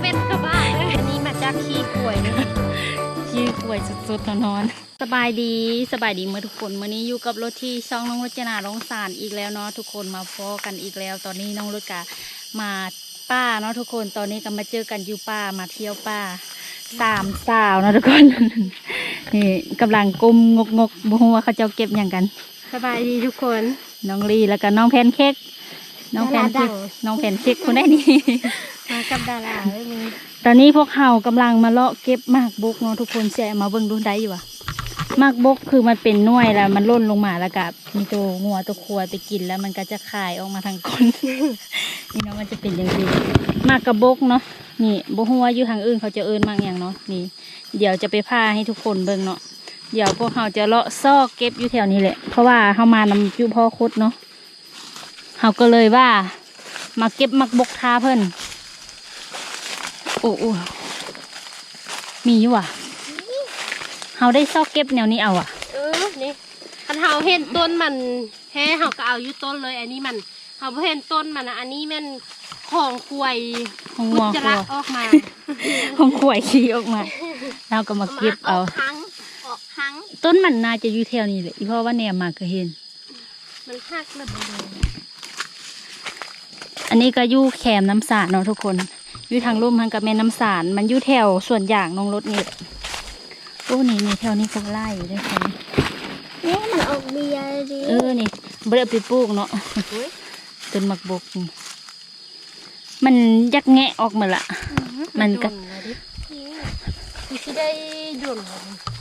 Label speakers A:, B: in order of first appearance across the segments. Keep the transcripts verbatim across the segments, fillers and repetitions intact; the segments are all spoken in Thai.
A: เป็นกระบะอันนี้มาจากขี้ข่วยนะขี้ข่วยสุดๆนอนสบายดีสบายดีเมื่อทุกคนวันนี้อยู่กับรถที่ช่องน้องรจนาร้องสารอีกแล้วเนาะทุกคนมาพอกันอีกแล้ว ตอนนี้น้องรถกะมาป้าเนาะทุกคนตอนนี้ก็มาเจอกันอยู่ป้ามาเที่ยวป้าสามสาวนะทุกคนนี่กำลังกุมงกงกบัวเขาเจ้าเก็บอย่างกันสบายดีทุกคนน้องลีแล้วก็น้องแพนเค้กน้องแพนเค้กน้องแพนเค้กคนได้นี่มากับดาราเลยมีตอนนี้พวกเขากำลังมาเลาะเก็บหมากบกเนาะทุกคนแชร์มาเบิ่งดูได้อยู่วะหมากบกคือมันเป็นหน่วยแล้วมันล่นลงมาแล้วกับมีตัวงัวตัวครัวไปกินแล้วมันก็จะคายออกมาทางก้นนี่เนาะมันจะเป็นอย่างนี้หมากกระบกเนาะนี่บกหัวอยู่ทางอื่นเขาจะเอิ้นมากอย่างเนาะนี่เดี๋ยวจะไปพาให้ทุกคนเบิ่งเนาะเดี๋ยวพวกเขาจะเลาะซอกเก็บอยู่แถวนี้แหละเพราะว่าเขามานำจุพ่อคดเนาะเขาก็เลยว่ามาเก็บหมากบกท้าเพิ่นโอ้โอ้มีอยู่อ่ะเขาได้ซอกเก็บแนวนี้เอาอ่ะ
B: เออนี่คันเฮาเห็นต้นมันแฮ่เฮาก็เอาอยู่ต้นเลยอันนี้มันเฮาเห็นต้นมันนะอันนี้มันของควย
A: ของ
B: มุ
A: งัว
B: จระออกมา
A: ของขวยขี้ออกมาเราก็มาเก็บเอา
B: ทั้งออกทั้ง
A: ต้นมันน่าจะอยู่แถวนี้แหละเพราะว่าแนวมาก็เห็น
B: มันหักเลย
A: อันนี้ก็อยู่แคมน้ำสาดเนาะทุกคนอยู่ทางลุ่มทางกับแม่น้ำสารมันอยู่แถวส่วนอย่างน้องรถนี่โอ้นี่นี่แถวนี้ก็ไล่ด้วยค่ะ
B: นี่มันออกเบียร์ดิ
A: เออนี่เบลไปปลูกเนาะต้นหมักบกนี่มันยักแงะออกมาละมันก็
B: ที่ได้ดุน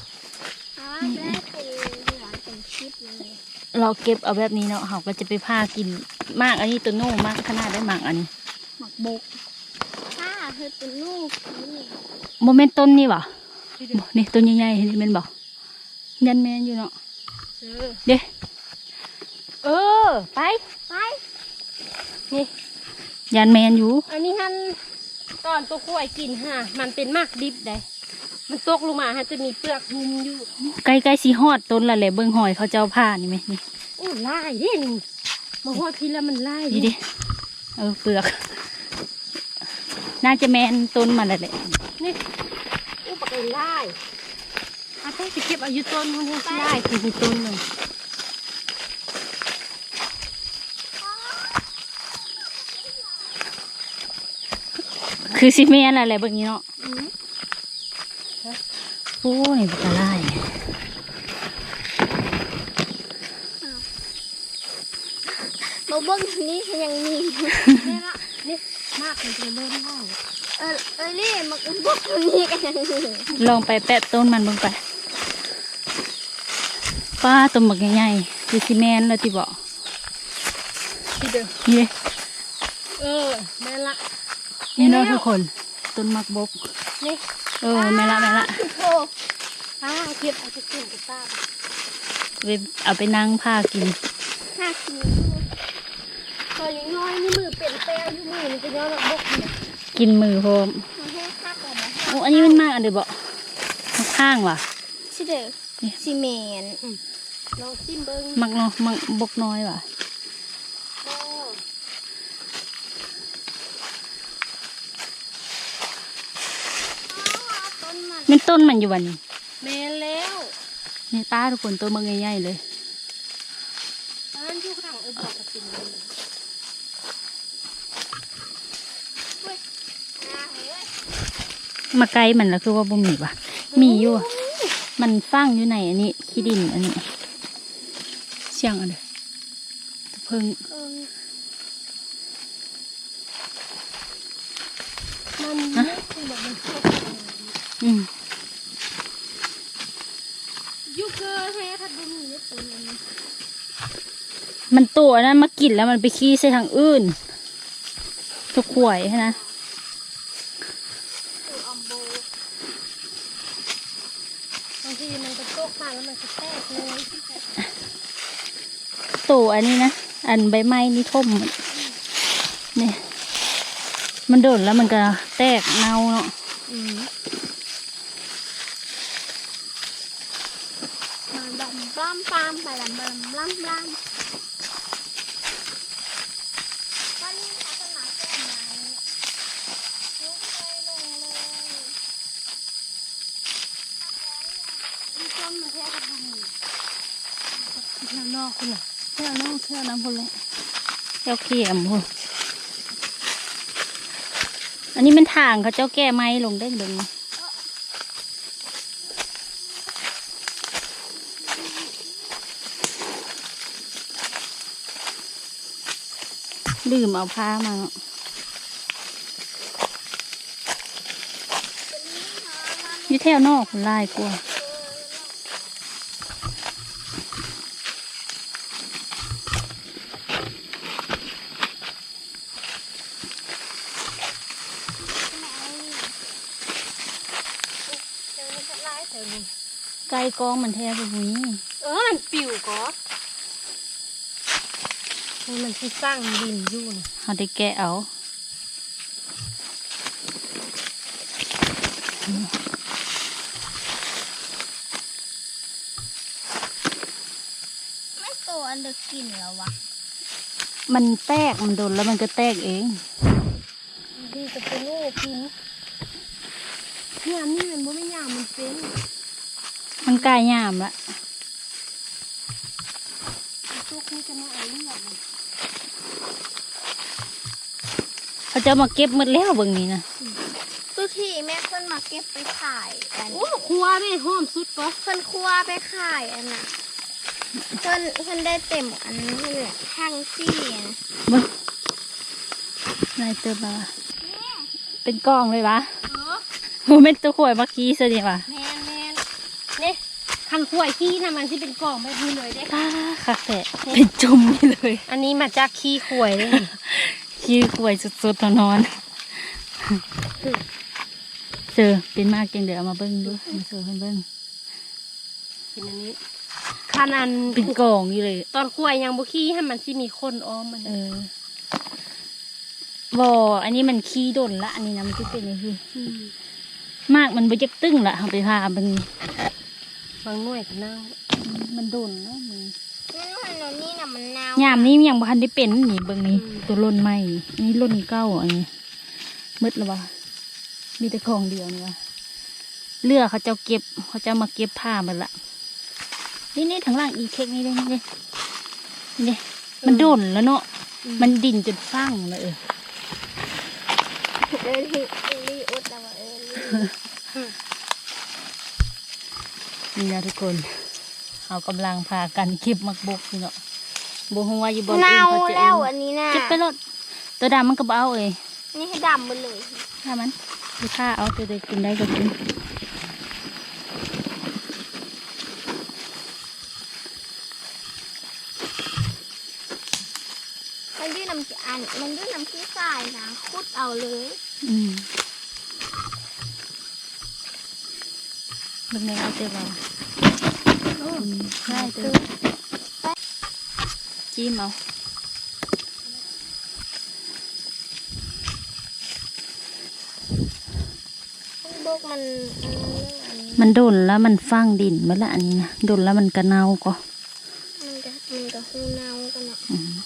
A: เราเก็บเอาแบบนี้เนาะเขาก็จะไปพากินมากอันนี้ตัวโน่มากขนาดได้มากอันนี้
B: หมักบกถ้าเธอตัวลูก
A: โมเมนต์ต้นนี่วะนี่ต้นใหญ่ๆนี่เป็นบอกยันแมนอยู่เนาะเด้เออไป
B: ไปนี่
A: ยันแมนอยู่
B: อันนี้ฮันตอนตัวกล้วยกินฮะมันเป็นมากดิบได้มันตกลงมาฮะจะมีเปลือกหุ้มอยู่
A: ใกล้ๆสีฮอดต้นละแหละเบิ้งหอยเขาเจ้าผ้านี่ไหมนี่
B: โอ้ไล่ดินี่มาฮอดทีละมันไล่
A: ดิดิเออเปลือกน่าจะแมนต้นมันแหละ
B: นี่อุปกรณ์ไล่อาต้องไปเก็บอายุต้นมันให้ไล่คือต้นหนึ่ง
A: คือซีเมนอะไรแบบนี้เนาะโอ้ยปลาไหล
B: โบเบิ้งนี้ยังมีนี่ละนี่มากเลยจะเล่นได้เออเออนี่มันบุกนี่กัน
A: ลองไปแปะต้นมันลงไปป้าต้นหมักใหญ่ๆคือซีเมนแล้วที่บอก
B: ที่เดิม
A: นี่
B: เออแม่ละ
A: นี่เนาะทุกคนต้นหมักบก
B: นี่
A: เออแม่ละแม่ละ
B: โอ้ผ้าเก็บเอาไปกินกับป้า
A: ไปเอาไปนั่งผ้ากิน
B: ผ้ากินพออย่างน้อยนี่มือเป็นแป้วที่มือมันจะย้อนบกเนี่ย
A: กินมือโฮมโอ้อันนี้มันมากอันเดียวบอกข้างว่ะ
B: ชิเดอร์ซีเมนลองซิมเบิ้ง
A: มักเนาะมักบกน้อยว่ะมันต้นมันอยู่วันนี้
B: แม่แล้ว
A: นี่ป้าทุกคนตัวมันใหญ่ๆเลย
B: อันนั้นที่ข้างเออบอกกับติ่ง
A: มาไกลมันแล้วคือว่าบ่มีว่ะมีอยู่มันฟังอยู่ในอันนี้ขี้ดินอันนี้เสียงอะไรเพิ่ง
B: มันไม่คือแบบมัน
A: อืม
B: ยูเกอร์แท้ทัดบุญนี่ตัวนี้
A: มันตัวนั้นมากินแล้วมันไปขี้ใส่ทางอื่นทุกขวยใช่ไหม
B: บางทีมันจะโตกมาแล้วมันจะแตกเลย
A: ตัวอันนี้นะอันใบไม้นี่ท่มเนี่ยมันโดนแล้วมันก็แตกเน่าเนาะ
B: บล้ำปามไปละมันบล้ำบล้ำก็นี่เขาจะมาแก้ไม้นมาแท้กับบุญ
A: เที่ยวนอกคุณน่ะเที่ยวนอกเที่ยวน้ำพุ่นเลยเที่ยวเขียมพุ่นอันนี้มันทางเขาเจ้าแก้ไม้ลงได้เดึงลืมเอาผ้ามาเนาะอยู่แถวนอกคนลายกลัวไก่กองมันแท้แบบนี้
B: เออมันปิวก็มันที่สร้างดินอยู่นะ
A: เขาได้แกะเอา
B: ไม่ตัวอันเด็กกินแล้ววะ
A: มันแตกมันโดนแล้วมันก็แตกเอง
B: ดีจะเป็นลูกกินเนี่ยนี่มันไม่ยามมันเป็น
A: มันกลายยามละ
B: พวกนี้จะไม่เอาเลือดมัน
A: เขาจะมาเก็บหมดแล้วเบิ่งนี้นะ
B: ทุกทีแม่เพิ่นมาเก็บไปขายอันโอ้ครัวแม่หอมสุดปะเพิ่นครัวไปขายอันน่ะเพิ่นเพิ่นได้เต็มอันนี้เลยทั้งซี่นะ
A: เบิ่งนายเติมมาเป็นกองเลยวะ
B: เออ
A: โมเมนต์ตัวข่วยเมื่อกี้สิเนี่ยวะ
B: แมนแมนนี่คันขวายขี้นะมันที่เป็นกล่องแบบนี้เลยเด้
A: ป้าค่ะแตะเป็นจุ่มนี่เลย
B: อันนี้มาจากขี้ขวายเลย
A: ขี้ข่วยสุดๆตอนนอนเจอเป็นมากจังเดี๋ยวเอามาเบิ้งดูมาเจอเพิ่นเบิ้ง
B: เป็นอันนี้คันอัน
A: เป็นกองอยู่เลย
B: ตอนขวายยังบุขี้ให้มันที่มีคนอ้อมมัน
A: เออบ่อันนี้มันขี้ดนละอันนี้นะมันจะเป็นยังไงมากมันไปจักตึ้งละเอาไปพาเบิ้ง
B: บางหน่วยก็เน่า
A: มันโดนแล้วมัน
B: นั่นมันนี่น่ะมันเน่าย
A: ามนี้ยังบ่ทันได้เป็นนี่เบิ่งนี่ตัวล่นใหม่นี่ล่นเก้าอันนี้มืดแล้ววะมีแต่ของเดียวนี่วะเลือเขาเจ้าเก็บเขาเจ้ามาเก็บผ้ามันละนี่นี่ทางล่างอีเค้กนี่นี่นี่นี่มันโดนแล้วเนาะมันดิ่นจนฟังเลยเออ
B: เออลีเออลีอุดแล้วเออลี
A: นี่นะทุกคนเขากำลังพากันเก็บมักบกนี่เนาะบัวหัวอยู่บน
B: เน่า
A: เขาจะ
B: แล้วอันนี้น่ะ
A: เก็บไปรถตัวดำมันก็เบเอาเอ้ย
B: นี่ให้ดำหมดเลย
A: ถ้ามันดูผ้าเอาตัวเด็กกินได้ก็กิน
B: มันยื่นน้ำอันมันยื่นน้ำขี้ทรายนะคุดเอาเลย
A: อืมมันไม่เอาเจ็บเอาอืมได้เตัวจิ้มเอา
B: บกมันอันนี้
A: มันโดนแล้วมันฟังดินมาละอันนี้นะโดนแล้วมันกระเนาก็
B: มันจะมันจะหูเน่ากันเนาะ
A: อืม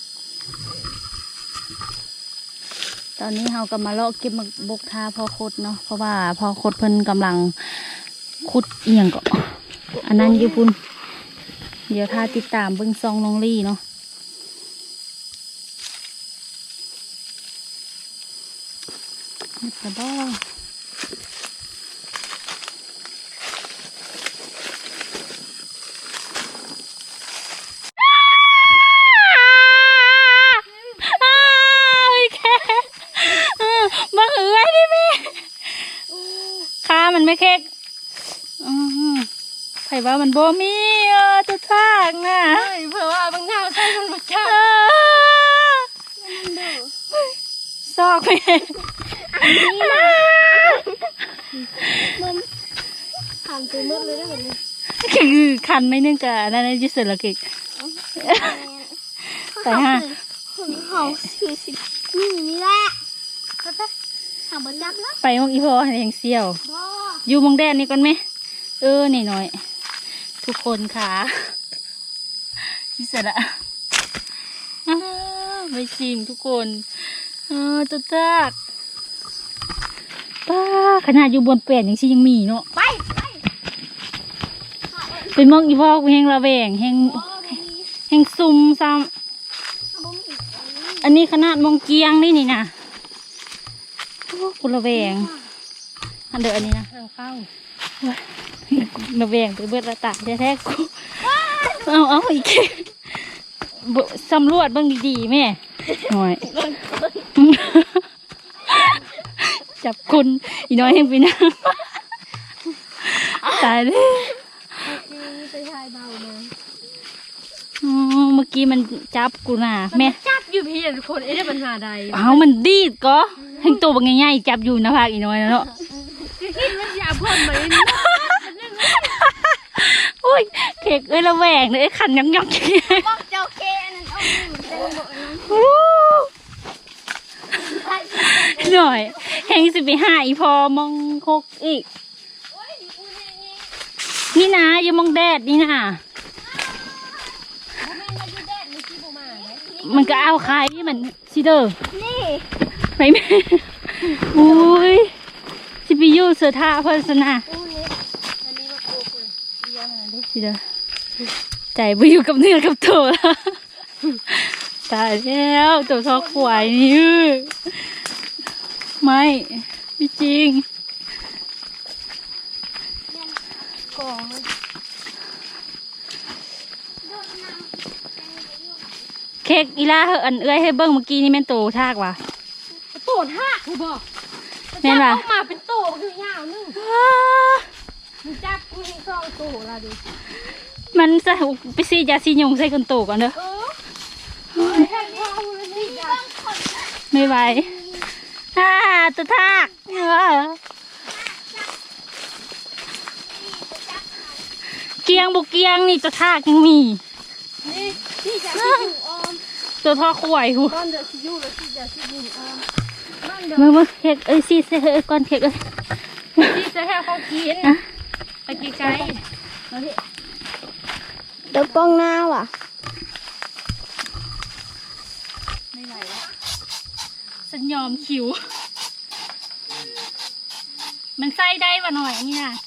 A: ตอนนี้เราก็มาเลาะเก็บมักบกทาพอคดเนาะเพราะว่าพอคดเพิ่นกำลังขุดเอียงก็อันนั้นอยู่พุ่นเดี๋ยวถ้าติดตามเบิ้งซองน้องลี่เนาะนี่กระบอก มาเหือดิแม่ขามันไม่เค้กอือไผว่ามันบ่มีเออจะทางน่ะ
B: เฮ้ยเผื่อว่าบางเน่าใส่มันมาจ้า
A: เออซอกแม่
B: อันนี้นะมันผ่านตัวมืดเลยได้แบบนี้
A: คือคันไม่นึงกะนั่นนะจิเสร็จและเค้กแต่ฮะ
B: เขาคือสินี่นี่แหละก็จะทำบนยักษ์แล้ว
A: ไปมองอีพ่อให้ยังเซี่ยว
B: บ่
A: อยู่มองแดนนี่ก่อนไหมเออนี่หน่อยทุกคนค่ะจิเสร็จละอ้าวไปชิมทุกคนเออจะจักป้าขนาดอยู่บนแปลนยังชิยังมีเนาะ
B: ไปไปไป
A: เป็นมองอีพอกแหงระแวงแหงแหงซุ่มซ้ำอันนี้ขนาดมองเกียงนี่นี่นะโอ้กูระแวงอันเดียวอันนี้นะ
C: ทางเข้า
A: ระแวงไปเบิดระตาแท้ๆกูเอาเอาอีกบ่สำรวจเบ้างดีๆแม่หน่อย จับคุณอีน้อยยังไปนั่งตายเลย
C: ไปทายเบามา
A: อ๋อเมื่อกี้มันจับกูน่ะแม่
C: จับอยู่พี่ทุกคนเอ๊ะได้ปัญหาใด
A: เอามันดีดก็ให้ตัวบางง่ายๆจับอยู่นะภาคอีน้อยนะเนาะ
C: คือคิดว่าจะเอาพ่นมาเลย
A: โอ้ยเค้กเอ้ยระแวงเลยไอ้ขันยังยอกอย่างเงี้ย
B: บอกเจ้าเคอันนั้นเอาหนูเต็มบ่อนั้น
A: โอ้หน่อยแหงสิไปหาอีพอมองคกอีกนี่นะอย่ามองแดดนี่นะมันก็เอาใครมันซิเดอร์
B: นี่
A: ไปแม่อุ้ยสิไปอยู่เสือท่าเพิ่นสนะ
B: อู้นี่
C: อันนี้มาปลูกเลยเยี่ยมเลย
A: ซิเดอร์ใจไปอยู่กับเนื้อกับตัวแล้วตายแล้วตัวทอขวายนี่ไม่ไม่จริง
B: กอง
A: เค้กอีล่าเหอะอันเอ้ยให้เบิ้งเมื่อกี้นี่แม่นโตทากว่ะ
C: โตดหักกูบอก
A: แม่นว่ะ
C: ออกมาเป็นโตคือยาวนึงมึงจับกูให้ซองโตละดิ
A: มันจะไปซียาซีหยงใส่คนโตก่อนเด้อ
C: เออแค่พ่อเลยนี่จ้ะ
A: ไม่ไหวฮ่าตัวทากเออเกียงบุกเกียงนี่ตัวทากยังมี
C: นี่ที่จะที่อยู่ออม
A: ตัวทอขวายหู
C: ก้อนเดือดที่อยู่แล้วที่จะที่อยู่ออมบ้านเดือด
A: มามาเค้กเอ้ยซีเซ่เอ้ยก่อนเค้กเอ้ย
C: ที่จะให้เขากิน
A: นะ
C: ไปไกลๆแล้วที่
B: เดี๋ยวป้องหน้าว่ะ
A: ไม่ไหวแล้วฉันยอมคิว มันไส้ได้ป่ะหน่อยนี่นะ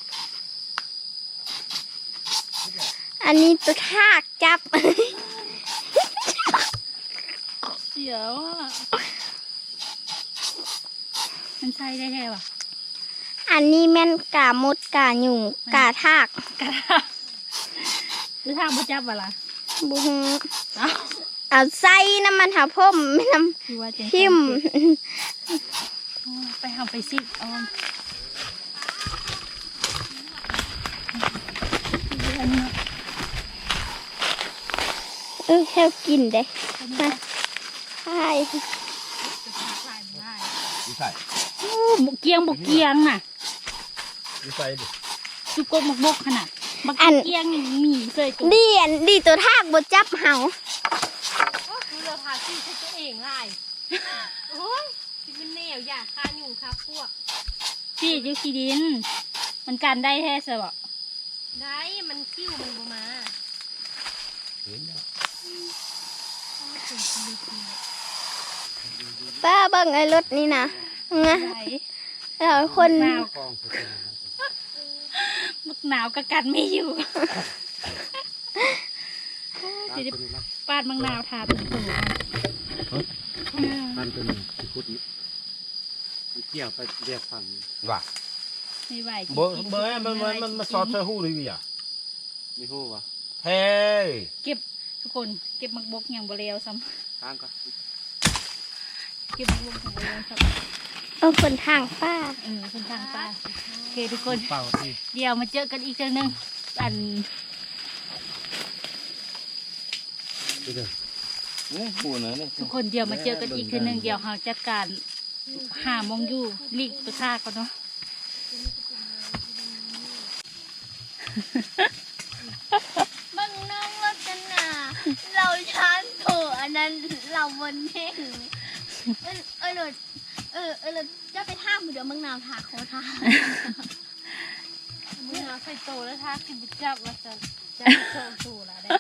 B: อันนี้ตัวทากจับ
A: เสียวอ่ะมันไส้ได้แท้ว่ะ
B: อันนี้แม่นกามดกาหยุ่งกาทาก
A: กระทะหรือทางบุจับวะล่ะ
B: บุ้ง
A: เอ้า
B: เอาไส้น้ำมันหาพ่มไม่น้
A: คือว่าจะ
B: ำพิมพ์
A: ไปทำไปซิออมอันนี้
B: เออแค่กินเด้มาใช่
D: ดีใส่
A: โอ้บุกเกียงบุกเกียงน่ะ
D: ดีใส่ดิ
A: สุกบกบกขนาดบักเกียงนี่มีเคยตัว
B: ดีอันดีตัวทากบดจับเห่า
C: ก็คือเราพาที่ใช้ตัวเองไล่โอ้ยที่มันแนวอยากคาอยู่ครับพวก
A: พี่ยุคีดิน มันกันได้แท้สิบ่
C: ได้มันคิ้วมันบ่มา
D: เห็นแล้ว
B: ป้าเบิ่งไอ้รถนี่นะไง
A: ไหน
B: แล้วคน
A: หนาว
D: กองคือเป็นอย่างนั้น
A: มึกหนาวก็กันไม่อยู่
D: ตามตัวนี้นะ
A: ปาดมังนาวทาเป็นตัว
D: ตามตัวนี้ที่คุดนี้มันเกี่ยวไปเรียกฟังว่า
A: ไม่ไหวจริงๆ
D: เบอร์เบอร์มันมันมันมาสอดใส่หูเลยอ่ะมีหูวะเฮ้ย
A: เก็บทุกคนเก็บมักบกอย่างบเรียวซ้
D: ตามกัน
A: ำเก็บมักบกอย่างบเรียวซ้
B: เออคนทางป้า
A: ำเออคนทางตาโอเคทุกคน
D: เป่าที่
A: เดี๋ยวมาเจอกันอีกเจอหนึ่งอัน
D: ดูดิเนี่ยหูนะเนี่ย
A: ทุกคนเดี๋ยวมาเจอกันอีกเจอหนึ่งเดี๋ยวเราจัดการหามองอยู่ลีกตัวท่าก่อนเนาะ
B: เบิ่งน้องรถกันนะเราช้างโถอันนั้นเราบนเท่งเออเออรถเออเออรถจะไปท่ามือเดี๋ยวมึงนาวทาโคท่า
C: มึงเอาใส่โตแล้วถ้ากินบุจับแล้วจะจะโตโตละได้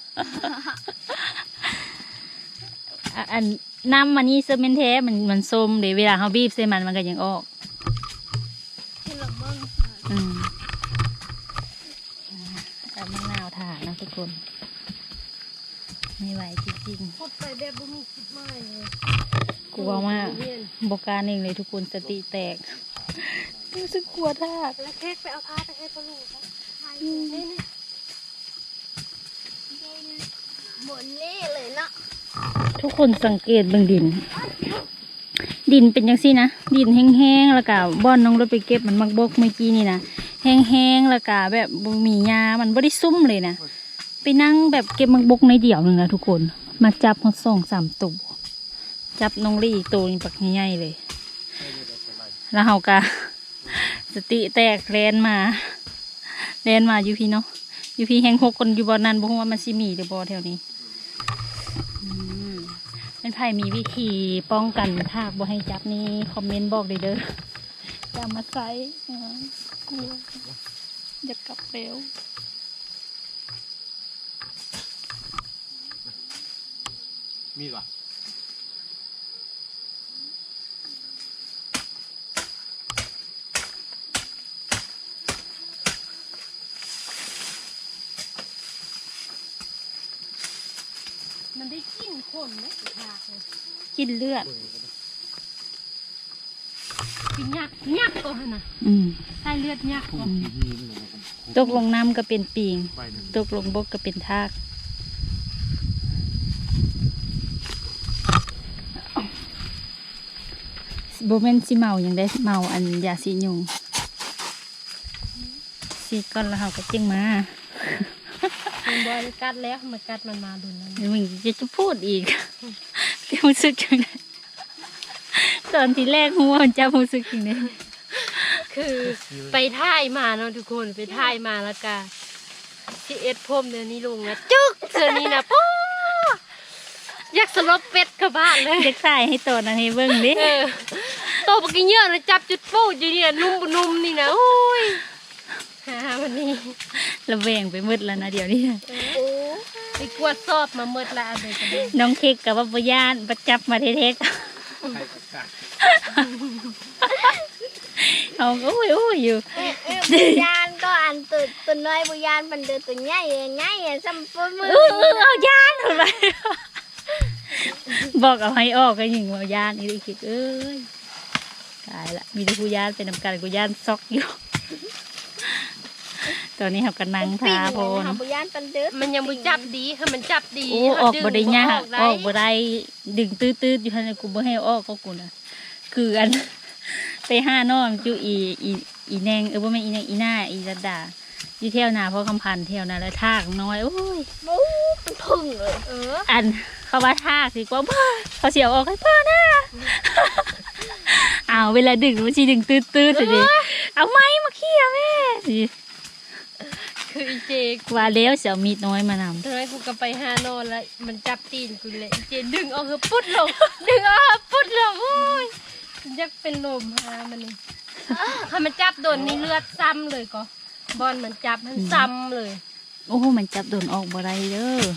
A: อ่ะอันน้ำมันนี่เซอร์เมนเทสมันมันส้มเดี๋ยวเวลาเขาบีบใส่มันมันก็ยังออก
B: คือเราเบิ่ง
A: อืมอันมะนาวถ่านะทุกคนไม่ไหวจริง
C: พูดไปแบบบ่มีคิดไม่เลย
A: ๆกลัวมากบกล้ารเองเลยทุกคนสติแตกรู้สึกกลัวทาก
C: แล้วเค้กไปเอาผ้าไปให้พ่อลูกนะนี่นี่
B: บนนี่เลยเนาะ
A: ทุกคนสังเกตเบื้องดิน ดินเป็นยังซี่นะดินแห้งๆแล้วก็บ่อนน้องรถไปเก็บมันมักบกเมื่อกี้นี่นะแห้งๆแล้วก็แบบบ่มีหญ้ามันบ่ได้ซุ่มเลยนะไปนั่งแบบเก็บมักบกในเดี่ยวหนึ่งนะทุกคนมาจับหดสองสามตัวจับน้องลี่อีกตัวนี้ปักใหญ่ๆเลย แล้วเฮากะ สติแตกแลนมาแลนมาอยู่พี่เนาะอยู่พี่แห้งหกคนอยู่บ่อนั้นบ่ฮู้ว่ามันสิมีหรือบ่แถวนี้อืมเป็นไผมีวิธีป้องกันทากบ่ให้จับนี่คอมเมนต์บอกได้เด้ออย่ามาใส่อ่ากลัวอย่ากลับเร็ว
D: มีดวะ
C: มันได้กลิ่นคนไหมทากเลย
A: กินเลือด
C: กินยักยักก็ฮะนะ
A: อืม
C: ใส่เลือดยักก็
A: ตกลงน้ำก็เป็นปิง
D: ไปหนึ่ง
A: ตกลงบกก็เป็นทากโบเมนสิเมาอย่างได้เมาอันยาสียุงสีก้อนแล้วเขาก็เจียงมา
C: มันบอยกัดแล้วมันกัดมันมาดุนแล้ว
A: มึงจะจะพูดอีก เดี๋ยวรู้สึกจังไงตอนที่แรกหัวมันจะรู้สึกอย่างนี้
C: คือไปท่ายมาเนาะทุกคนไปท่ายมาแล้วก็ที่เอ็ดพรมเดี๋ยวนี้ลงนะจึ๊กเธอนี่นะป๊ออยากสลบเป็ดกับบ้านเลย
A: เด็กใส่ให้ตัวนั้นให้เบิ้งดิ
C: เออโตปกินเยอะเลยจับจุดโป้อยู่เนี่ยนุ่มบนุ่มนี่นะโอ้ยฮ่าวันนี้
A: ระแวงไปมืดแล้วนะเดี๋ยวนี้
B: โอ้
C: ไปกวดสอบมาเมื่อละอะไรกันเลย
A: น้องเค้กกับว่าปย่านประจับมาเทก
D: ใครประกาศ
A: ๆเขาก็โอ้ยโอ้ยอยู่
B: เอ๊ะเอ๊ะบุญานก็อันตัวตัวน้อยบุญานมันเดินตัวใหญ่ใหญ่ซ้ำปื้มือ
A: เออเออเอาย่านทำไมบอกเอาให้ออกก็ยิงเอาย่านนี่ได้คิดเอ้ยตายละมีแต่กูย่านเป็นนำกันกูย่านซอกอยู่ ตอนนี้เขากำลังทาโพน
B: บุญานมันเดิน
C: มันยังบ่จับดีค่ะมันจับดี
A: โอ้ออกบ่ได้ยาก
C: ดึง
A: ออกบ่ได้ดึงตื้อๆอยู่ทันกูบ่ให้ออกก็กูนะคืออัน ไปห้าน้องจูอีอีอีแนงเออบ่แม่นอีแนงอีหน้าอีระดาอยู่เที่ยวนาเพราะคำพันธุ์เที่ยวนาแล้วทากน้อยโอ้ย
B: มูเป็นพึ่งเลย
C: เออ
A: อันเขาว่าทากสิกว่าพ่อเขาเสียวออกให้พ่อนะ เอาเวลาดึงมันสิดึงตื้อๆสิเอาไม้มาเขี่ยแม่สิ
C: คืออีเจ
A: ว่าแล้วเสียวมีดน้อยมานำ
C: ตอนนั้นกูก็ไปหานอนแล้วมันจับตีนกูเลยอีเจดึงออกคือปุ๊ดลง ดึงออกปุ๊ดลงโอ้ยยักเป็นลมหามันนี่ถ้ามันจับโดนนี่เลือดซ้ำเลยก็บอลมันจับมันซ้ำเลย
A: โอ้โหมันจับโดนออกบ่ได้เด้อ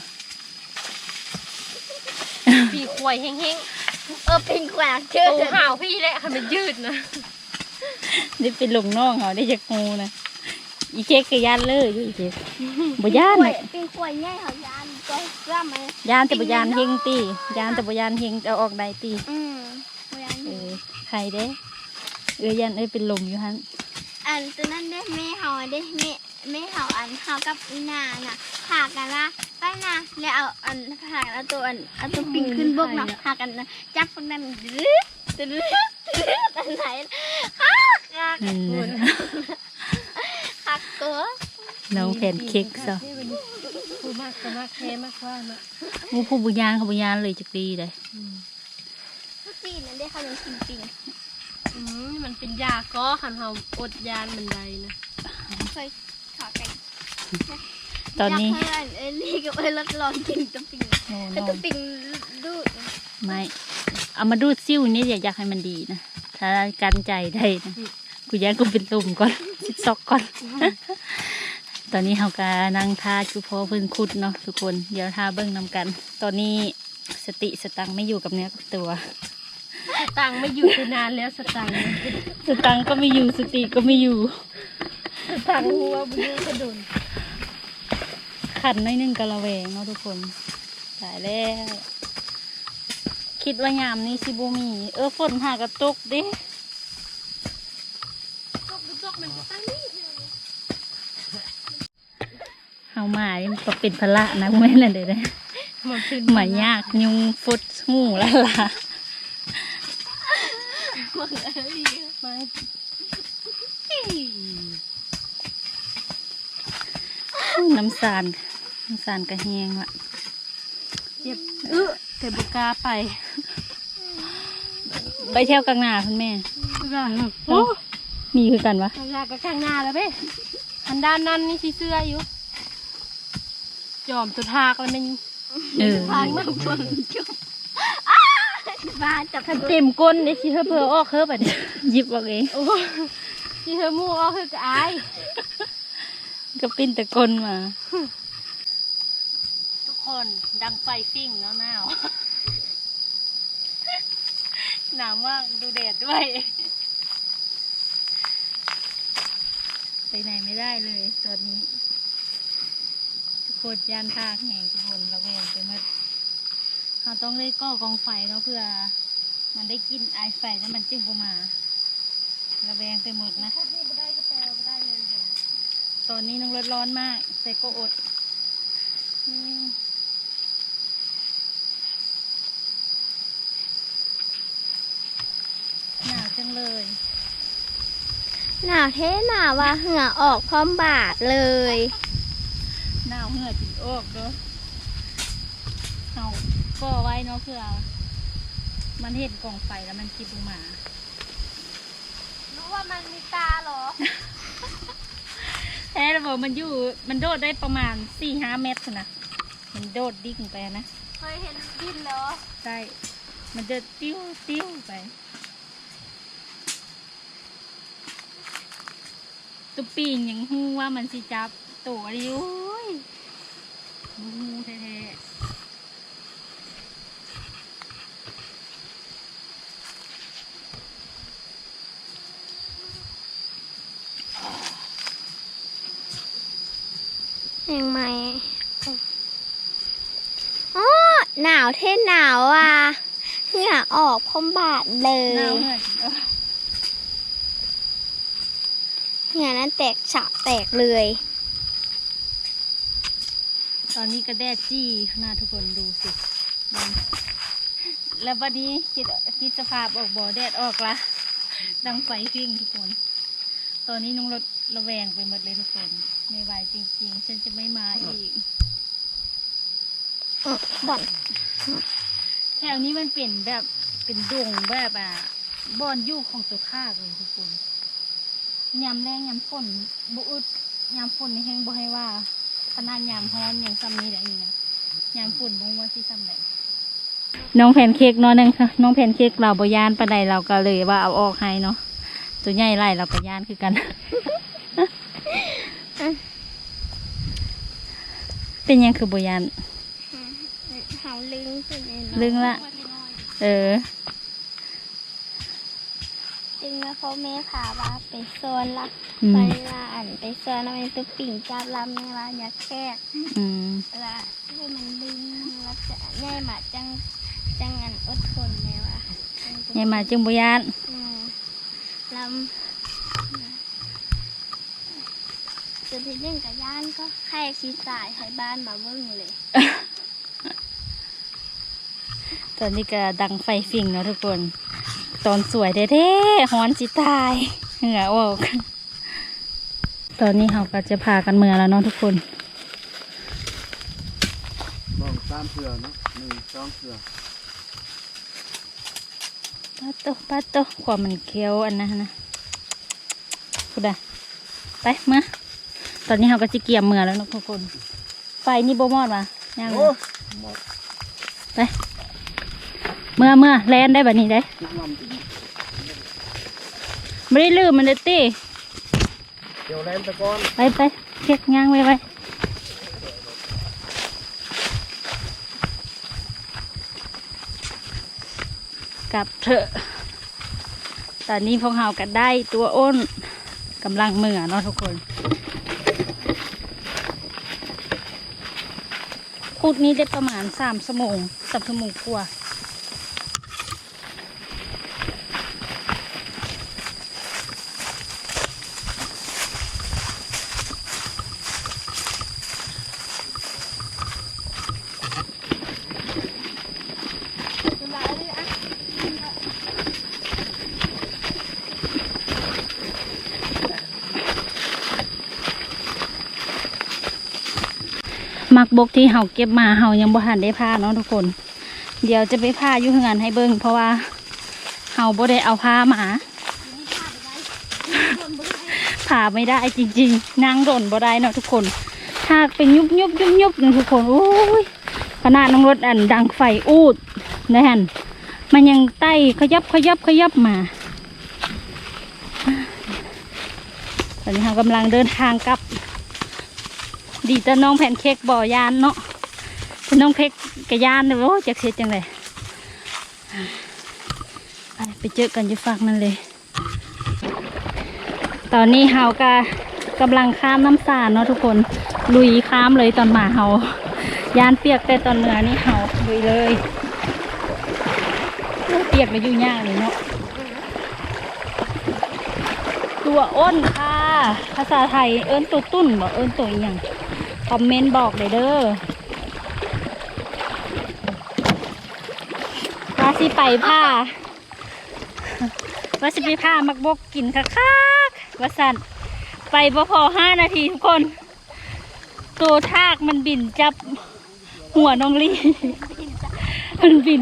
C: ปีควายแห้ง
B: เออเป็นแขวก
C: ๆ
B: เชื่อ
C: โต
B: เถอะ
C: ห่าวพี่แหละค่ะมันยืดนะ
A: ได้เป็นลงน้องเขาได้จากงูนะอีเค้กก็ย่านเลยอยู่อีเค้กบ่ย่านน่ะ
B: เป็นขวายใหญ่เขายานก็ซ้ำไหม
A: ย่านแต่บ่ย่านเฮงตีย่านแต่บ่ย่านเฮงเอาออกได้ตี
B: อืมบุญาน
A: เออใครเด้เออย่านเอ้ยเป็นลมอยู่หั่น
B: อันตัวนั้นได้แม่เฮาได้แม่แม่เฮาอันเฮากับอีนาน่ะพากันละไปนะแล้วเอาอันพากันเอาตัวอันเอาตัวปิงขึ้นบกเนาะพากันจับพวกนั้นดื้อดื้อดื้ออันไหนคักคัก
A: อืม
B: คักตัว
A: น้องแพนเค้กซะ
C: ผู้มากก็มากแค่มากว่านะ
A: งูผู้บ่ย่านเขาบ่ย่านเลยจักดีเลย
B: ทุกทีนั่นได้เขายังกินปิง
C: อืมมันเป็นยาก็หันเฮาอดยานมันใดนะ
B: เคยขอกัน
A: ตอนนี้
B: อยากให้อันเอลี่กับเอลดลองกินตัวปิง
A: โอ้
B: แต่
A: น้อ
B: ตัว
A: ง
B: ปิงดูด
A: ไม่เอามาดูดซิ่วนี่อย่าอยากให้มันดีนะถ้ากันใจได้นะกูย่านกูเป็นตุ่มก่อน สิซอกก่อน ตอนนี้เขาก็นั่งทาจุพอเพิ่นคุดเนาะทุกคนเดี๋ยวทาเบิ้งนำกัน ตอนนี้สติสตังค์ไม่อยู่กับเนื้อกับตัว
C: สตังค์ไม่อยู่ไปนานแล้วสตังค์
A: สตังค์ก็ไม่อยู่สติก็ไม่อยู่
C: สตังค์หัวบุญกระโดน
A: ขันหน้อยหนึงกะละแวงเนาะทุกคนตายแล้วคิดว่ายามนี้สิบ่มีเออฝนหากระตกดิ
C: ตกตกมันก็ตั้งนี่
A: เฮามานี่มันก็เป็นพละนะแม่นน่ะเด้อนะ
C: มันขึ้น
A: หมายากยุงฟุดหูละล่ะ
C: มามา
A: น้ำสารน้ำสารกระแหงละ
C: เจ็บ
A: เออแต่บกล้าไป ไปเที่ยวกลางนาคุณแม่
C: โอ้
A: มีคือกันวะ
C: ข้างหน้าก็ข้างหน้าแล้วเบ้อันด้านนั้นนี่สีเสื้ออยู่จอมตัวทากแล้วมัน
A: เออ
B: ทางนั่งฟังจุ๊บบ้าจับ
C: เต็มก้นนี่สิเธอเพอออกเธอแบบนี้
A: หยิบออกเอง
C: โอ้สิเธอมูออกเธอก็อาย
A: ก็ปิ้นตะกลมา ทุกคนดังไฟฟิ่งเนาะหนาว หนาวมากดูแดดด้วย ไปไหนไม่ได้เลยตอนนี้ ทุกคนย่านทากแห่งทุกคนระแวงไปหมดเราต้องเลยก่อกองไฟเนาะเพื่อ มันได้กินไอไฟแล้วมันจึงออกมาระแวงไปหมดนะ ตอนนี้น้องรถร้อนมากแต่ก็อดอืมหนาวจังเลย
B: หนาวเท่หนาวว่าเหงื่อออกพร้อมบาดเลย
A: หนาวเหงื่อจิตออกเนาะเอาก็ไว้เนาะเพื่อ มันเห็นกองไฟแล้วมันคิดลงมา
C: รู้ว่ามันมีตาเหรอ
A: แท้ระบบมันอยู่มันโดดได้ประมาณสี่ห้าเมตรนะมันโดดดิ่งไปนะ
C: เคยเห็นดินเหรอ
A: ใช่มันจะติ้วติ้วไปตุ๊ปีนยังหูว่ามันสิจับตัวดิโอ้ยหูแท้ๆ
B: เห็นไหมอ๋อหนาวเท่หนาวอ่ะเหงื่อออกพร้อมบาดเล
A: หนาวย เหงื่อจิเออ
B: เหงื่อนั้นแตกฉะแตกเลย
A: ตอนนี้ก็แดดจี้ขนาดทุกคนดูสิมันแล้ววันนี้คิดคิดสภาพออกบ่อแดดออกละดังไฟฟิ่งทุกคน ตอนนี้น้องรถระแวงไปหมดเลยทุกคนไม่ไหวจริงๆ ฉันจะไม่มาอีก
B: บ่อน
A: แถวนี้มันเป็นแบบเป็นดงแบบอ่ะบอนอยู่ของตัวข้าเลยทุกคนยามแรงยามฝนบุอึดยามฝนนี่แห้งบ่ให้ว่าขนาดยามฮ้อนอย่างซ้ำนี้แหละนี่นะยามฝนบ่ว่าสิซ้ำไหนน้องแพนเค้กเนาะนึงค่ะน้องแพนเค้กเราบ่ยานปานใดเราก็เลยว่าเอาออกให้เนาะตัวใหญ่ไรเราก็ยานคือกัน เป็นยังคือบ่ยาน
B: เขาลึงขึ้นเอง
A: ลึงละ เออ
B: จึงแล้วพ่อแม่พาว่าไปโซนละ
A: อืม
B: ไปละอันไปโซนแล้วมันตุ๊ปิ่งจับลำแม่ว่าอย่าแคก
A: อืม
B: ละให้มันลึงแล้วจะง่ายมาจังจังอันอดทนแม่ว่า
A: ยายมาจึงบ่ยาน
B: อืมลำจุดที่หนึ่งกับย่านก็ให้ชีสายให้บ้านมาเบิ้งเลย
A: ตอนนี้ก็ดังไฟฟิ่งเนาะทุกคน ตอนสวยแท้ๆฮ้อนสิตายเหงื่อออก ตอนนี้เราก็จะพากันเมือแล้วเนาะทุกคน
D: ลองตามเสือเนาะหนึ่งสองเสือ
A: ปัดโตปัดโตความมันเคี้ยวอันนั้นนะพูดได้ไปมาตอนนี้เราก็จะเกี่ยมเมือแล้วเนาะทุกคน ไฟนี่โบมอดมาย่างเลย
D: หมด
A: ไปเมื่อเมื่อแลนได้แบบนี้ได้
D: ทุกลำติด
A: ไม่ได้ลืมมันเลยตี
D: เดี๋ยวแลนตะก้อน
A: ไปไปเช็คย่างไว้ไว้กลับเถอะ ตอนนี้พวกเราก็ได้ตัวอ้นกำลังเมื่อเนาะทุกคนขุดนี้ได้ประมาณสามชั่วโมงสามชั่วโมงกว่ามักบกที่เฮาเก็บมาเฮายังบ่ทันได้ผ้าเนาะทุกคนเดี๋ยวจะไปผ้าอยู่เฮือนให้เบิ่งเพราะว่าเฮาบ่ได้เอาผ้ามาผ้าไม่ได้จริงๆนางร่นบ่ได้เนาะทุกคนหากเป็นยุบยุบยุบยุบนะทุกคนโอ้ยขนาดน้องรถอันดังไฟอูดนะฮันมันยังไต่ขยับขยับขยับมาตอนนี้เรากำลังเดินทางกลับดีแต่น้องแผ่นเค้กบ่อยานเนาะแต่น้องเค้กกะยานเลยโอ้จักเสียจังเลยไปเจอกันอยู่ฝั่งนั่นเลยตอนนี้เฮาก็กำลังข้ามน้ำสาเนาะทุกคนลุยข้ามเลยตอนมาเฮายานเปียกแต่ตอนเหนือนี่เฮาลุยเลยเปียกแล้วอยู่ยากเลยเนาะตัวอ้นค่ะภาษาไทยเอิ้นตัวตุ้นบอกเอิ้นตัวอหย่างคอมเมนต์บอกเลยเด้อว่าสิไปผ้าว่าสิไปผ้ามักบกกินคักๆว่าสั่นไปพอพอห้านาทีทุกคนตัวทากมันบินจับหัวน้องลี่มันบิน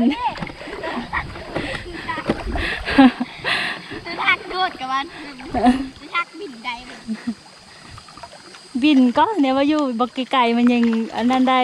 B: จะทักโดดกับมันจะทักบินได้เลย
A: บินก็เนี่ยว่าอยู่บกไก่มันยังอันนั้นได้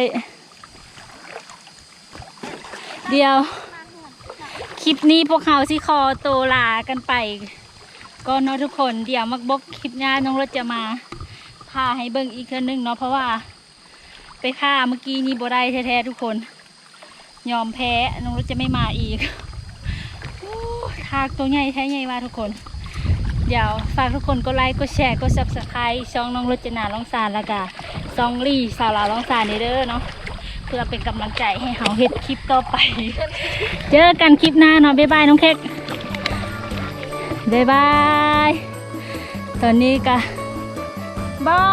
A: เดียวคลิปนี้พวกเขาสิคอโตลากันไปก็เนาะทุกคนเดี๋ยวมักบกคลิปหน้าน้องรถจะมาพาให้เบิ่งอีกเทื่อนึงเนาะเพราะว่าไปพาเมื่อกี้นี้บ่ได้แท้ๆทุกคนยอมแพ้น้องรถจะไม่มาอีกทากตัวใหญ่แท้ใหญ่มากทุกคนเดี๋ยวฝากทุกคนกดไลค์กดแชร์กดซับสไครต์ช่องน้องรจนาร้องสารแล้วก็ซองลี่สาวลาวร้องสารเด้อเนาะเพื่อเป็นกำลังใจให้เขาเฮ็ดคลิปต่อไป เจอกันคลิปหน้าเนาะบ๊ายบายน้องเค้กบ๊ายบายตอนนี้ก็บอ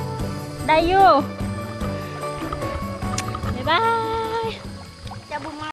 A: ได้อยู่บ๊ายบาย
B: จะบุม